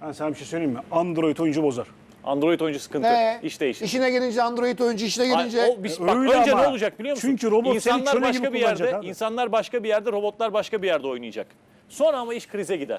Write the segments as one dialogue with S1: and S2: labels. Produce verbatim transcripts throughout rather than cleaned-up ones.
S1: Ben sana bir şey söyleyeyim mi? Android oyuncu bozar.
S2: Android oyuncu sıkıntı.
S3: He.
S2: İş değişir.
S3: İşine gelince Android oyuncu işine gelince.
S2: Ay, o bir- bak,
S1: Öyle
S2: önce
S1: ama.
S2: ne olacak biliyor musun?
S1: Çünkü robot seni
S2: insanlar
S1: köle
S2: başka
S1: gibi
S2: bir yerde,
S1: kullanacak abi.
S2: insanlar başka bir yerde, robotlar başka bir yerde oynayacak. Sonra ama iş krize gider.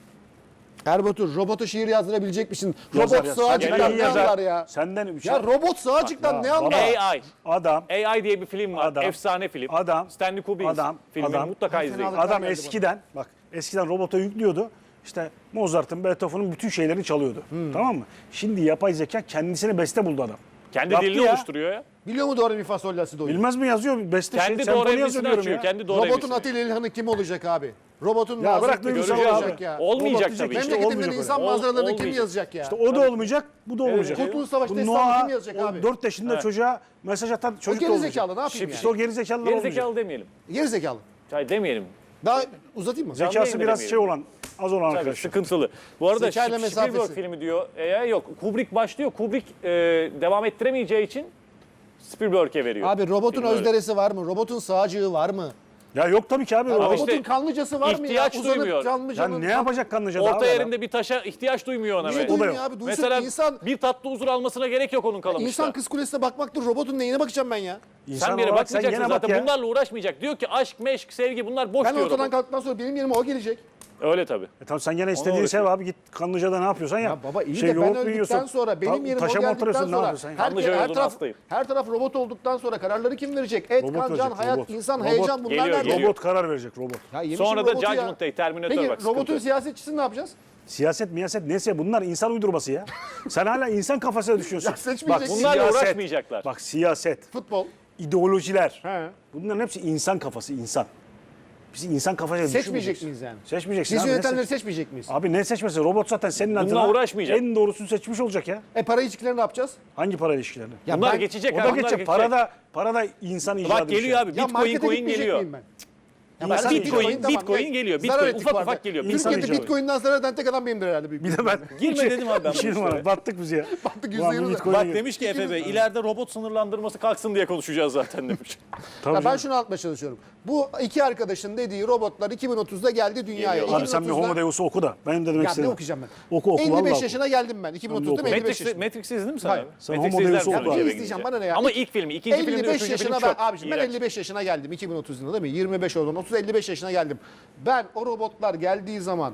S3: Erbatur robota şiir yazdırabilecek misin?
S1: Yazar,
S3: Robot
S1: yazar.
S3: sığacıktan
S1: Senden
S3: ne
S1: yazar.
S3: anlar ya?
S1: Senden bir şey.
S3: Ya robot sığacıktan
S1: Ya
S3: ne
S1: baba.
S3: anlar?
S2: A I.
S1: Adam,
S2: A I diye bir film var.
S1: Adam.
S2: Efsane film.
S1: Adam.
S2: Stanley Kubrick
S1: Adam.
S2: filmini
S1: Adam.
S2: mutlaka izleyin.
S3: Fenalık.
S1: adam
S3: geldi
S1: eskiden bak eskiden robota yüklüyordu. İşte Mozart'ın, Beethoven'ın bütün şeylerini çalıyordu. Tamam mı? Şimdi yapay zeka kendisine beste buldu adam.
S2: Kendi
S1: Yaptı
S2: dilini
S1: ya.
S2: oluşturuyor ya.
S3: Biliyor mu doğru mi fa sol la si do?
S1: Bilmez mi yazıyor? Beste
S2: Kendi
S1: şey,
S2: doğru
S1: senfoni yazıyor
S2: emrisini
S1: diyorum
S2: açıyor.
S1: ya.
S2: Kendi doğru
S3: Robotun
S2: emrisini.
S3: Atilla İlhan'ı kim olacak abi? Robotun
S1: Ya
S3: Nazım
S1: bırak
S3: Hikmet'i
S1: duygusal
S3: kim
S1: abi.
S3: olacak ya?
S2: Olmayacak
S1: Robot
S2: tabii.
S1: diyecek,
S2: İşte
S1: işte
S3: Memleketimden
S1: olmayacak
S3: insan
S1: öyle.
S3: manzaralarını kim
S2: olmayacak.
S3: yazacak ya?
S1: İşte o da olmayacak, bu da olmayacak.
S3: Kurtuluş Savaşı
S1: Bu
S3: destanını
S1: Noah,
S3: kim yazacak
S1: o
S3: abi?
S1: dört yaşında
S2: Evet.
S1: çocuğa mesaj atan
S3: O
S1: çocuk da
S3: geri
S1: olmayacak.
S3: zekalı ne yapayım
S2: Şıp
S3: ya?
S1: İşte o geri zekalılar
S2: Geri
S1: olmayacak.
S2: zekalı demeyelim.
S3: Geri zekalı.
S2: Hayır demeyelim.
S3: Daha uzatayım mı?
S2: Canlı
S1: Zekası
S2: yayında
S1: biraz
S2: demeyelim.
S1: şey olan, az olan
S2: Tabii
S1: arkadaşlar.
S2: sıkıntılı. Bu arada
S3: Zekayla
S2: Sp-
S3: mesafesi.
S2: Spielberg filmi diyor. E, yok. Kubrick başlıyor. Kubrick e, devam ettiremeyeceği için Spielberg'e veriyor.
S3: Abi robotun
S2: Film öyle.
S3: özderesi var mı? Robotun sağcığı var mı?
S1: Ya yok tabii ki abi.
S3: Abi
S1: Robot-
S3: robotun
S2: işte
S3: kanlıcası var mı ya?
S2: ihtiyaç
S3: Uzanıp
S2: duymuyor.
S3: canlı
S1: ya
S3: canlı.
S1: ne yapacak kanlıcada
S2: Orta
S1: abi?
S2: yerinde bir taşa ihtiyaç duymuyor ona.
S3: Niye
S2: be.
S3: duymuyor
S1: yok.
S3: abi? Duysun
S2: Mesela
S3: insan,
S2: bir tatlı huzur almasına gerek yok onun kalamışta.
S3: insan kız kulesine bakmaktır. Robotun neyine bakacağım ben ya?
S1: İnsan
S2: Sen bir yere
S1: olarak sen
S2: bakmayacaksın
S1: gene bak
S2: zaten.
S1: ya.
S2: Bunlarla uğraşmayacak. Diyor ki aşk, meşk, sevgi bunlar boş
S3: Ben
S2: diyor.
S3: ortadan
S2: robot.
S3: kalktıktan sonra benim yerime o gelecek.
S2: Öyle tabii.
S1: E tamam sen gene istediğini
S2: Onu
S1: sev
S2: uğraşıyor.
S1: abi, git Kanlıca'da ne yapıyorsan yap.
S3: Ya baba iyi
S1: Şey,
S3: de ben
S1: yoğurt mu
S3: öldükten
S1: yiyorsun?
S3: sonra benim
S1: Ta-
S3: yerime o
S1: taşa mı
S3: geldikten
S1: oturuyorsun, ne
S3: sonra
S1: yapıyorsun?
S3: her,
S2: Kanlıca
S3: her
S2: yolunun
S3: taraf
S2: hastayım.
S3: her taraf robot olduktan sonra kararları kim verecek? Et,
S1: Robot
S3: kan, can,
S1: verecek,
S3: hayat,
S1: robot.
S3: insan,
S1: Robot
S3: heyecan bunlar
S2: geliyor,
S3: nerede?
S2: geliyor.
S1: Robot karar verecek, robot.
S3: Ya yemişim
S2: Sonra da
S3: robotu ya.
S2: Judgment Day, Terminator
S3: Peki
S2: bak
S3: robotun
S2: sıkıntı.
S3: siyasetçisini ne yapacağız?
S1: Siyaset, miyaset neyse bunlar insan uydurması ya. Sen hala insan kafasına düşüyorsun.
S3: Ya seçmeyeceksin.
S2: Bunlarla uğraşmayacaklar.
S1: Bak siyaset,
S3: Futbol.
S1: ideolojiler.
S3: He.
S1: Bunların hepsi insan kafası, insan. Biz insan kafasına
S3: Seçmeyecek
S1: düşünmeyeceksin.
S3: miyiz yani?
S1: Seçmeyeceksin
S3: Biz
S1: abi, ne
S3: yönetenleri
S1: seç-
S3: seçmeyecek miyiz?
S1: Abi ne seçmesi? Robot zaten senin adına
S2: uğraşmayacak.
S1: en doğrusunu seçmiş olacak ya.
S3: E para ilişkilerini ne yapacağız?
S1: Hangi para ilişkilerini?
S3: Ya
S2: Bunlar
S3: ben-
S2: geçecek.
S1: O
S2: abi,
S1: da
S2: bunlar
S1: geçecek. Para da, para da insan icadı.
S2: Bak
S1: bir şey.
S2: geliyor abi.
S3: Ya
S2: Bitcoin
S3: markete
S2: coin
S3: gitmeyecek
S2: geliyor.
S3: miyim ben?
S1: Ya
S3: ben-
S1: insan
S2: Bitcoin,
S1: icadı.
S3: tamam,
S2: Bitcoin
S3: ne-
S2: geliyor.
S3: zarar
S2: Bitcoin
S3: ettik
S2: ufak
S3: bu arada.
S2: ufak geliyor.
S1: İnsan
S3: Türkiye'de
S1: icadı.
S3: Bitcoin'den zarar eden tek adam benim herhalde. büyük
S1: Bir de ben.
S2: Girme dedim abi ben bu
S1: İki
S2: işlere.
S1: numara. Battık biz ya.
S3: Battık, yüzde
S1: Ulan bu
S3: yirmi.
S1: Bitcoin'e
S2: Bak
S1: gir.
S2: demiş ki Efe Bey ileride robot sınırlandırması kalksın diye konuşacağız zaten demiş.
S1: Tabii
S3: Ya ben
S1: canım.
S3: şunu anlatmaya çalışıyorum. Bu iki arkadaşın dediği robotlar iki bin otuzda geldi dünyaya.
S2: Geliyor.
S1: Abi sen bir
S3: iki bin otuzda
S1: Homo Deus'u oku da. Benim de demek
S3: Ya ne
S1: istediğim.
S3: okuyacağım ben?
S1: Oku oku.
S3: elli
S1: vallahi
S3: beş
S1: oku.
S3: yaşına geldim ben. iki bin otuzda
S1: oku.
S3: mı elli beş
S2: Matrix,
S3: yaşında?
S2: Matrix izledin mi sen
S3: Hayır.
S2: abi?
S1: Sen
S2: Matrix
S1: Homo
S2: izlersin
S1: Deus'u
S2: önce
S1: oku abi.
S2: eve
S3: İzleyeceğim,
S2: gidince.
S3: bana ne ya?
S2: Ama ilk filmi, ikinci filmde,
S3: elli beş
S2: üçüncü film
S3: yaşına ben
S2: çok
S3: abiciğim ben
S2: iğrenç.
S3: elli beş yaşına geldim iki bin otuz yılında değil mi? yirmi beş oldum. otuz elli beş yaşına geldim. Ben o robotlar geldiği zaman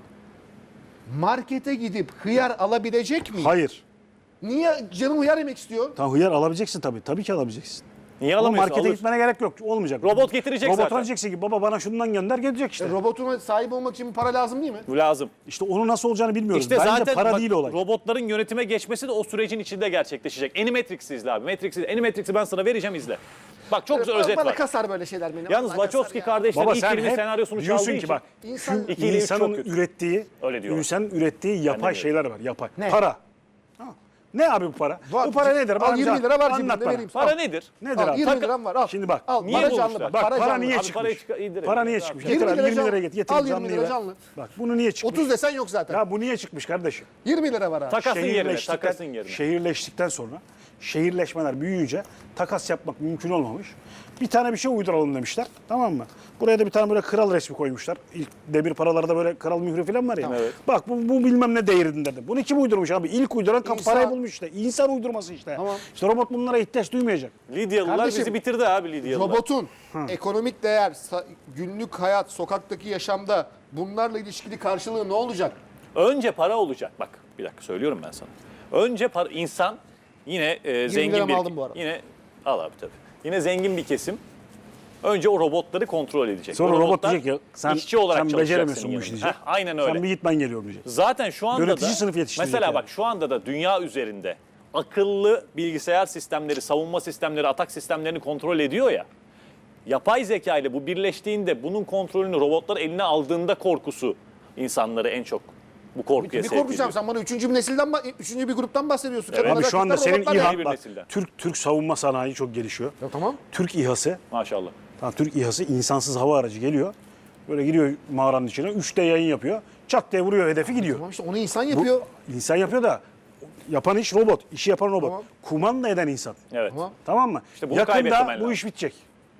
S3: markete gidip hıyar alabilecek miyim?
S1: Hayır.
S3: Niye canım hıyar yemek istiyor?
S1: Tamam hıyar alabileceksin tabii. Tabii ki alabileceksin.
S2: Niye
S1: Ama
S2: alamıyorsun?
S1: markete
S2: Alır.
S1: gitmene gerek yok. Olmayacak.
S2: Robot getirecek
S1: Robot
S2: zaten.
S1: diyeceksin ki baba bana şundan gönder, gelecek işte.
S3: E, robotuma sahip olmak için para lazım değil mi?
S2: Bu lazım.
S1: İşte onun nasıl olacağını bilmiyoruz.
S2: İşte
S1: Bence
S2: zaten
S1: para
S2: bak,
S1: değil olay.
S2: robotların yönetime geçmesi de o sürecin içinde gerçekleşecek. Animatrix'i izle abi. Matrix'i, Animatrix'i ben sana vereceğim izle. Bak çok güzel
S3: Bana-
S2: özet
S3: bana
S2: var.
S3: kasar böyle şeyler beni.
S2: Yalnız
S3: Vallahi kasar
S2: Wachowski
S3: ya.
S2: kardeşler
S1: Baba
S2: ilk
S1: sen
S2: filmin
S1: hep
S2: senaryosunu çaldığı
S1: diyorsun
S2: için.
S1: ki bak
S3: İnsan,
S2: İki ile üç çok
S1: insanın
S2: kötü.
S1: ürettiği,
S2: Öyle diyorlar.
S1: insanın ürettiği yapay
S2: de
S1: şeyler var. Yapay.
S3: Ne?
S1: Para. Ha. Ne abi bu para?
S3: Var.
S1: Bu para nedir?
S3: Al,
S1: Bana
S3: yirmi
S1: bize
S3: lira var
S1: anlat
S3: cebimde,
S1: bana.
S3: vereyim.
S2: Para
S3: Al.
S2: nedir?
S1: Nedir
S3: Al,
S1: abi?
S3: yirmi
S1: Taka-
S3: liram var al.
S1: Şimdi bak.
S3: Al,
S2: Niye
S3: para
S2: bulmuşlar?
S3: canlı bak.
S2: Bak,
S3: Para,
S1: para
S3: canlı.
S1: niye
S2: Abi
S1: çıkmış?
S2: parayı çıkar- indirin.
S1: Para niye
S2: Abi,
S1: çıkmış?
S3: yirmi
S1: Getir abi
S3: lira
S1: yirmi
S3: canlı.
S1: liraya getir. Getir
S3: Al yirmi
S1: canlıyı
S3: lira
S1: ver.
S3: canlı.
S1: Bak bunu niye çıkmış?
S3: otuz desen yok zaten.
S1: Ya bu niye çıkmış kardeşim?
S3: yirmi lira var abi.
S2: Takasın yerine,
S1: Şehirleştikten-
S2: takasın yerine.
S1: Şehirleştikten sonra şehirleşmeler büyüyünce takas yapmak mümkün olmamış. Bir tane bir şey uyduralım demişler. Tamam mı? Buraya da bir tane böyle kral resmi koymuşlar. İlk demir paralarda böyle kral mührü falan var ya.
S2: Evet.
S1: Bak bu, bu bilmem ne değerinde de. Bunu kim uydurmuş abi? İlk uyduran kap
S3: İnsan.
S1: parayı bulmuş işte. İnsan uydurması işte.
S3: Tamam.
S1: İşte robot bunlara ihtiyaç duymayacak.
S2: Lidyalılar
S3: Kardeşim,
S2: bizi bitirdi abi Lidyalılar.
S3: Robotun ekonomik değer, sa- günlük hayat, sokaktaki yaşamda bunlarla ilişkili karşılığı ne olacak?
S2: Önce para olacak. Bak bir dakika söylüyorum ben sana. Önce para, insan yine e, zengin
S3: liramı
S2: bir...
S3: aldım bu arada.
S2: Yine al abi tabii. Yine zengin bir kesim. Önce o robotları kontrol edecek.
S1: Sonra
S2: O
S1: robot
S2: robotlar
S1: diyecek ya sen,
S2: işçi olarak
S1: sen
S2: çalışacak
S1: beceremiyorsun
S2: senin
S1: bu işi
S2: yanında.
S1: diyecek.
S2: Heh, aynen öyle.
S1: Sen bir git ben geliyorum diyecek.
S2: Zaten şu anda
S1: Yönetici
S2: da
S1: sınıf yetiştirecek
S2: mesela
S1: yani.
S2: bak şu anda da dünya üzerinde akıllı bilgisayar sistemleri, savunma sistemleri, atak sistemlerini kontrol ediyor ya. Yapay zeka ile bu birleştiğinde bunun kontrolünü robotlar eline aldığında korkusu insanları en çok bu korkuya
S3: Ne
S2: sevk
S3: korkacağım?
S2: ediyor.
S3: Sen bana üçüncü bir nesilden, ba- üçüncü bir gruptan bahsediyorsun.
S2: Evet.
S3: Kadınlar,
S1: Abi şu anda
S3: erkekler,
S1: senin
S3: robotlar ya.
S1: İHA,
S2: Yeni bir
S1: bak,
S2: nesilden.
S1: Türk Türk savunma sanayi çok gelişiyor.
S3: Ya tamam.
S1: Türk İHA'sı,
S2: Maşallah.
S1: tamam, Türk İHA'sı insansız hava aracı geliyor. Böyle giriyor mağaranın içine, üç D yayın yapıyor. Çat diye vuruyor hedefi gidiyor.
S3: Tamam işte onu insan
S1: Bu
S3: yapıyor.
S1: insan yapıyor da yapan iş robot, işi yapan robot.
S3: Tamam.
S1: Kumanda eden insan.
S2: Evet.
S3: Tamam.
S1: Tamam mı?
S2: İşte bunu kaybetmemen
S1: Yakında
S2: lazım.
S1: bu iş bitecek.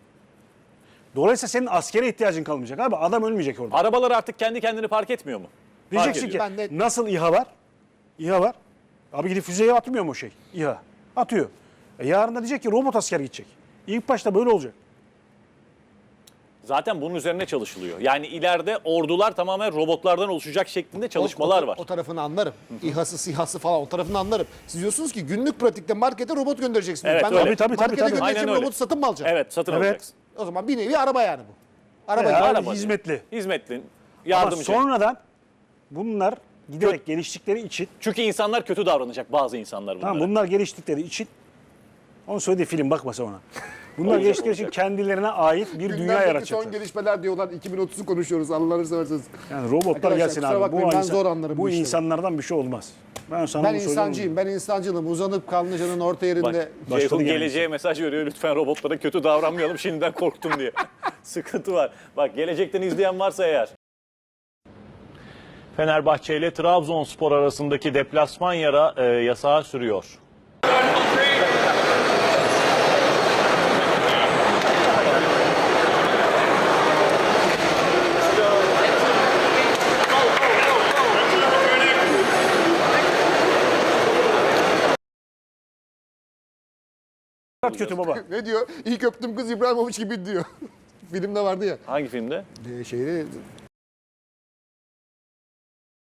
S1: Dolayısıyla senin askere ihtiyacın kalmayacak abi. Adam ölmeyecek orada.
S2: Arabalar artık kendi kendini park etmiyor mu? Fark
S1: Diyeceksin
S2: ediyor.
S1: ki
S3: Ben de-
S1: nasıl İHA var? İHA var. Abi gidip füzeye atmıyor mu o şey? İHA. Atıyor. E yarın da diyecek ki robot asker gidecek. İlk başta böyle olacak.
S2: Zaten bunun üzerine çalışılıyor. Yani ileride ordular tamamen robotlardan oluşacak şeklinde çalışmalar
S3: o, o,
S2: var.
S3: O tarafını anlarım. İHA'sı, SİHA'sı falan o tarafını anlarım. Siz diyorsunuz ki günlük pratikte markete robot göndereceksiniz.
S2: Evet,
S3: ben
S2: öyle.
S3: de
S1: Tabii, tabii, tabii,
S3: markete
S1: tabii.
S3: göndereceğim
S2: Aynen öyle.
S3: robotu satın mı alacağım?
S2: Evet, satın
S1: Evet.
S2: alacaksın.
S3: O zaman bir nevi araba yani bu. Araba
S1: Veya
S3: gibi.
S2: araba
S1: hizmetli.
S2: Hizmetli,
S1: Ama
S2: yardımcı.
S1: sonradan bunlar giderek geliştikleri için,
S2: Çünkü insanlar kötü davranacak, bazı insanlar bunlara.
S1: tamam bunlar geliştikleri için, onun söylediği film bakmasa ona. Bunlar
S2: Olacak,
S1: geliştikleri için
S2: olacak.
S1: kendilerine ait bir dünya
S3: Gündemdeki son
S1: yaratacaklar.
S3: gelişmeler diyorlar. iki bin otuzu konuşuyoruz. Allah'ını severseniz.
S1: Yani robotlar
S3: Arkadaşlar,
S1: gelsin
S3: kusura
S1: abi.
S3: bakmayın,
S1: Bu,
S3: ben
S1: insan-
S3: zor anlarım bu
S1: bu
S3: işleri.
S1: insanlardan bir şey olmaz. Ben sana
S3: Ben
S1: bunu söylüyorum.
S3: insancıyım. Ben insancılım. Uzanıp Kanlıca'nın orta yerinde.
S2: Bak,
S1: Başladı
S2: Ceyhun
S1: gene
S2: geleceğe mesaj veriyor. Lütfen robotlara kötü davranmayalım, şimdiden korktum diye. Sıkıntı var. Bak, gelecekten izleyen varsa eğer. Fenerbahçe ile Trabzonspor arasındaki deplasman yara e, yasağı sürüyor.
S1: Kötü baba.
S3: Ne diyor? İlk öptüm kız İbrahimovic gibi diyor. Filmde vardı ya.
S2: Hangi filmde?
S3: Ee, şeyde